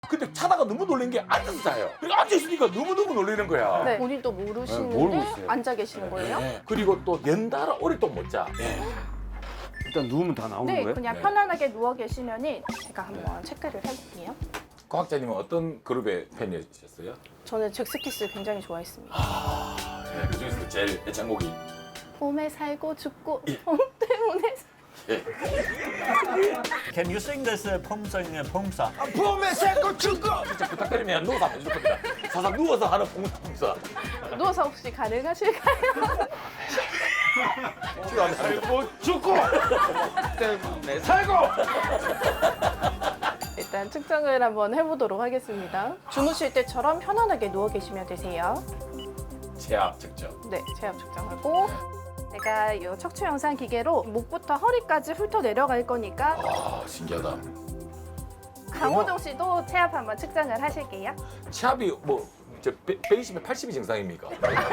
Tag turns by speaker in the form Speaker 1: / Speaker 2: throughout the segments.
Speaker 1: 근데 자다가 너무 놀란 게 앉아서 자요. 그러니까 앉아있으니까 너무너무 놀라는 거야.
Speaker 2: 네. 본인도
Speaker 3: 모르고
Speaker 2: 모르시는데
Speaker 3: 있어요.
Speaker 2: 앉아 계시는 거예요?
Speaker 1: 네. 그리고 또 연달아 오래 또 못 자. 네.
Speaker 3: 일단 누우면 다 나오는
Speaker 2: 네,
Speaker 3: 거예요?
Speaker 2: 그냥
Speaker 1: 네.
Speaker 2: 편안하게 누워 계시면은 제가 한번 체크를 해볼게요.
Speaker 1: 과학자님은 어떤 그룹의 팬이셨어요?
Speaker 2: 저는 잭스키스 굉장히 좋아했습니다.
Speaker 1: 네, 그 중에서 제일 애창곡이.
Speaker 2: 봄에 살고 죽고
Speaker 1: 예.
Speaker 2: 봄 때문에
Speaker 1: 예.
Speaker 4: Can you sing this poem song?
Speaker 3: 봄에 새고 죽고
Speaker 1: 진짜 부탁드리면 누워서 한번 해줄 겁니다. 사상 누워서 하는 봉사.
Speaker 2: 누워서 혹시 가능하실까요?
Speaker 3: 살고 죽고 때문에 살고
Speaker 2: 일단 측정을 한번 해보도록 하겠습니다. 주무실 때처럼 편안하게 누워 계시면 되세요.
Speaker 1: 체압 측정.
Speaker 2: 네, 체압 측정하고 제가 이 척추 영상 기계로 목부터 허리까지 훑어 내려갈 거니까
Speaker 1: 아, 신기하다.
Speaker 2: 강호동 씨도 체압 한번 측정을 하실게요.
Speaker 1: 체압이 뭐, 120에 80이 정상입니까?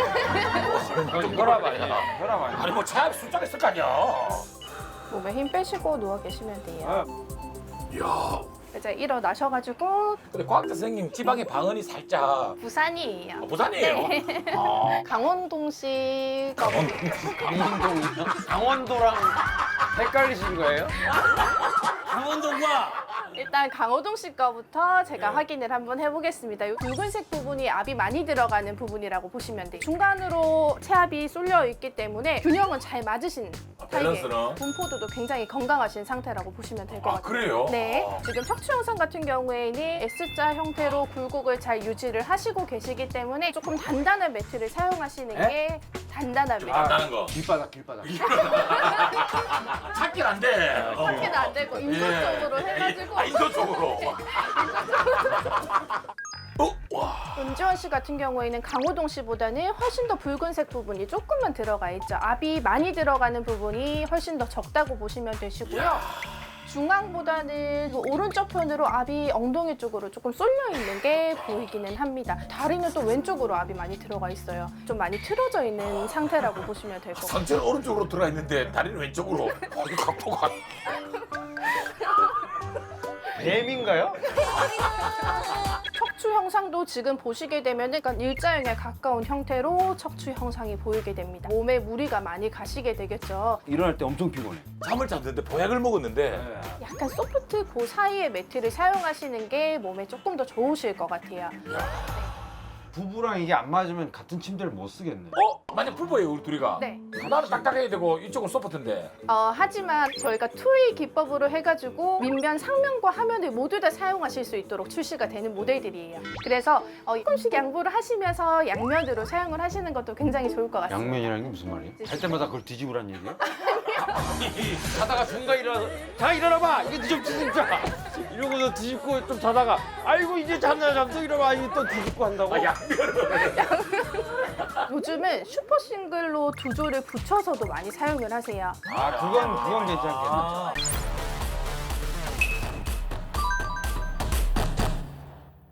Speaker 3: 혈압 아니야 혈압 아니야
Speaker 1: 아니, 뭐 체압 숫자가 있을 거 아니야.
Speaker 2: 몸에 힘 빼시고 누워 계시면 돼요.
Speaker 1: 이야.
Speaker 2: 이제 일어나셔가지고
Speaker 1: 근데 과학자 선생님 지방의 방언이 살짝
Speaker 2: 부산이에요.
Speaker 1: 부산이에요.
Speaker 2: 네.
Speaker 1: 아,
Speaker 2: 강원동 씨가
Speaker 3: 강원동이요? 강원도랑 헷갈리신 거예요?
Speaker 4: 강원도가
Speaker 2: 일단 강호동 씨 거부터 제가 확인을 한번 해보겠습니다. 이 붉은색 부분이 압이 많이 들어가는 부분이라고 보시면 돼요. 중간으로 체압이 쏠려 있기 때문에 균형은 잘 맞으신 타입이에요.
Speaker 1: 밸런스는?
Speaker 2: 분포도도 굉장히 건강하신 상태라고 보시면 될 것
Speaker 1: 아,
Speaker 2: 같아요.
Speaker 1: 그래요?
Speaker 2: 네,
Speaker 1: 아.
Speaker 2: 지금 척추 영상 같은 경우에는 S자 형태로 굴곡을 잘 유지를 하시고 계시기 때문에 조금 단단한 매트를 사용하시는 게 단단한 매트.
Speaker 1: 간다는 거.
Speaker 3: 길바닥
Speaker 1: 찾긴 안 돼.
Speaker 2: 그렇게는 안 되고 인도적으로 해가지고
Speaker 1: 인도적으로. 와.
Speaker 2: 은지원 씨 같은 경우에는 강호동 씨보다는 훨씬 더 붉은색 부분이 조금만 들어가 있죠. 압이 많이 들어가는 부분이 훨씬 더 적다고 보시면 되시고요. 중앙보다는 그 오른쪽 편으로 압이 엉덩이 쪽으로 조금 쏠려 있는 게 보이기는 합니다. 다리는 또 왼쪽으로 압이 많이 들어가 있어요. 좀 많이 틀어져 있는 상태라고 보시면 될 것 같아요.
Speaker 1: 상체는 오른쪽으로 들어가 있는데 다리는 왼쪽으로. 이거 각도가.
Speaker 3: 뱀인가요?
Speaker 2: 척추 형상도 지금 보시게 되면 약간 일자형에 가까운 형태로 척추 형상이 보이게 됩니다. 몸에 무리가 많이 가시게 되겠죠.
Speaker 3: 일어날 때 엄청 피곤해
Speaker 1: 잠을 잤는데 보약을 먹었는데
Speaker 2: 약간 소프트 그 사이의 매트를 사용하시는 게 몸에 조금 더 좋으실 것 같아요.
Speaker 3: 부부랑 이게 안 맞으면 같은 침대를 못 쓰겠네
Speaker 1: 만약 풀보예요 우리 둘이가.
Speaker 2: 네.
Speaker 1: 나는 딱딱해야 되고 이쪽은 소프트인데.
Speaker 2: 하지만 저희가 투웨이 기법으로 해가지고 밑면, 상면과 하면을 모두 다 사용하실 수 있도록 출시가 되는 모델들이에요. 그래서 조금씩 양보를 하시면서 양면으로 사용을 하시는 것도 굉장히 좋을 것 같습니다.
Speaker 3: 양면이라는 게 무슨 말이에요? 잘 때마다 그걸 뒤집으란 얘기예요? 자다가 중간 일어나서 자 일어나봐 이게 좀 진짜 이러고서 뒤집고 좀 자다가 아이고 이제 잤나 잠도 일어나 이게 또 뒤집고 한다고?
Speaker 2: 요즘은 슈퍼 싱글로 두 조를 붙여서도 많이 사용을 하세요.
Speaker 3: 그건 괜찮겠네